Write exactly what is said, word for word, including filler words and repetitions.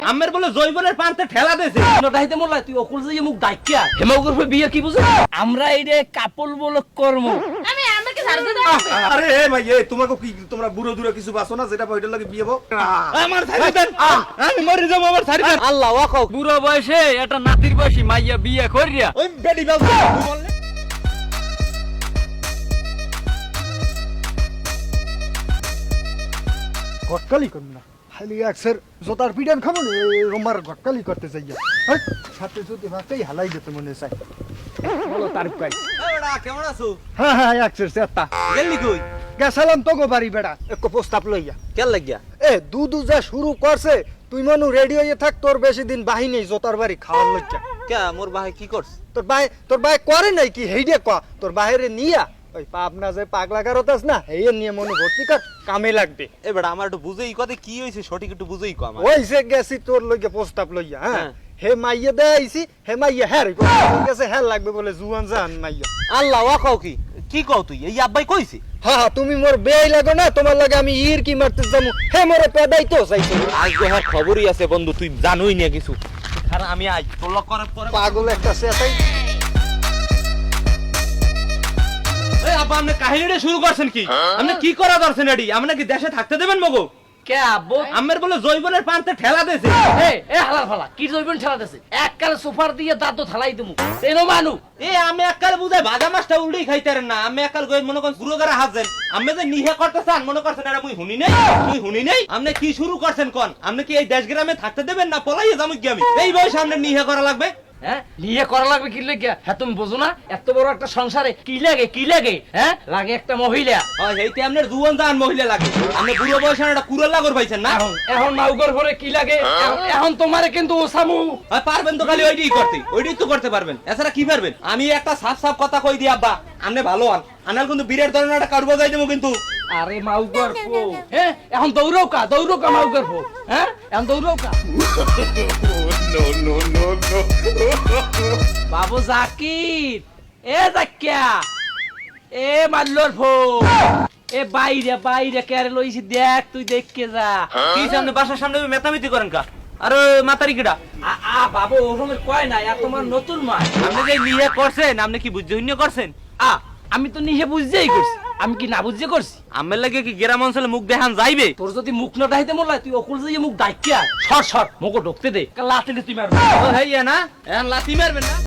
আমের বলে জৈবনের পান্তে ঠেলা দেছে নটাইতে মোল্লা তুই অকুল যে মুখ ডাইকিয়া হেমগ্রফে বিয়ে কি বুঝছ আমরা এই রে কাপল বলক কর্ম আমি আমাকে ছাড় দে দাও আরে এ ভাই এ তোমাকে কি তোমরা বুড়ো দূরে কিছু বাসো না যেটা ওইটার লাগে বিয়ে হবো আমার ছাড়ি দেন আমি মরে যাব আমার ছাড়ি দেন আল্লাহ ওয়াকও বুড়ো বয়সে একটা নাতির বয়সী মাইয়া বিয়ে করিয়া ওই বেডি বাবু বললে ঘটকালি করুন না খালি একসের জোতার পিডান খাবো না রোমার ঘটকালি করতে চাই সাথে যদি ভাতেই হালাই যেতে মনে চাই বলো তারিফ কাই এড়া কেমন আছো হ্যাঁ হ্যাঁ একসের চেতা গেলি কই গেছিলাম তো গো বাড়ি বেড়া একটু প্রস্তাব লইয়া কেন লাগিয়া এ দুধু যা শুরু করছে তুই মনু রেডি হয়ে থাক তোর বেশি দিন বাহিনী জোতার বাড়ি খাওয়ার লজ্জা কে মোর ভাই কি করছ তোর ভাই তোর ভাই করে নাই কি হেইডে ক তোর বাইরে নিয়া ওই পাবনা যে পাগলা কারতাস না এই নিয়ে মনে ভর্তি কর কামে লাগবে এবারে আমার একটু বুঝেই কথা কি হইছে সঠিক একটু বুঝেই কো আমার ওই যে গেছি তোর লইগে প্রস্তাব লইয়া হ্যাঁ হ্যাঁ। হে মাইয়া দে আইছি হে মাইয়া হ্যাঁ রে গেছে হ্যাঁ লাগবে বলে জুয়ান জান মাইয়া আল্লাহ ওয়াকাও কি কি কও তুই এই আব্বাই কইছে হ্যাঁ হ্যাঁ তুমি মোর বেই লাগো না তোমার লাগে আমি ইর কি মারতে যামু হে মোরে পেদাই তো চাইছো আজকে হ্যাঁ খবরই আছে বন্ধু তুই জানোই না কিছু কারণ আমি আজ তোর লক করার পরে পাগল একটা সেটাই এই আব্বা আপনি কাহিনীটা শুরু করছেন কি আপনি কি করা দরছেন এডি আপনি কি দেশে থাকতে দেবেন মগো কে আব্বু আমের বলে জৈবনের পান্তে ঠেলা দেছে এ এ হালার ফালা কি জইবেন ঠেলা দেছে এক কালে সোফার দিয়ে দাঁত থালাই দিমু এনো মানু এ আমি এককাল বুঝাই ভাজা মাছটা উল্টেই খাইতারেন না আমি এককাল গই মনে করেন গুরু গারা হাজেন আমি যে নিহে করতেছেন মনে করছেন এটা মুই হুনি নাই মুই হুনি নাই আপনি কি শুরু করছেন কোন আপনি কি এই দেশ গ্রামে থাকতে দেবেন না পলাইয়ে যামু কি আমি এই বয়সে সামনে নিহে করা লাগবে হ্যাঁ নিয়ে করা লাগবে কি লাগে হ্যাঁ তুমি বোঝো না এত বড় একটা সংসারে কি লাগে কি লাগে হ্যাঁ লাগে একটা মহিলা হয় এইতে আপনার জুয়ান জান মহিলা লাগে আপনি বুড়ো বয়সে একটা কুরল লাগর পাইছেন না এখন এখন নাউগর পরে কি লাগে এখন- এখন তোমারে কিন্তু ওসামু আর পারবেন তো খালি ওইটাই করতে ওইটাই তো করতে পারবেন এছাড়া কি পারবেন আমি একটা সাফ সাফ কথা কই দিই আব্বা আপনি ভালো হন আনাল কিন্তু বীরের ধরনের একটা কারু বাজাই দেবো কিন্তু আরে মাউগর ফো হ্যাঁ এখন দৌড়াও কা দৌড়াও কা মাউগর ফো হ্যাঁ এখন দৌড়াও কা বাবু জাকির এ জাকিয়া এ মাল্লর ফো এ বাইরে বাইরে কেরে লইছি দেখ তুই দেখকে যা কি সামনে বাসার সামনে মেতামিতি করেন কা আরে মাতারি কিডা আ আ বাবু ওরকমের কয় না আর তোমার নতুন মা আপনি যে নিয়ে করছেন আপনি কি বুঝজন্য করছেন আ আমি তো নিজে বুঝতেই করছি আমি কি না বুঝতে করছি আমের লাগে কি গ্রাম অঞ্চলে মুখ দেখান যাইবে তোর যদি মুখ না ডাইতে মোল্লা তুই অকুল যে মুখ ডাইকিয়া সর সর মুখ ঢুকতে দে লাতে তুই মারবি ও হেইয়া না এখন লাথি মারবেন না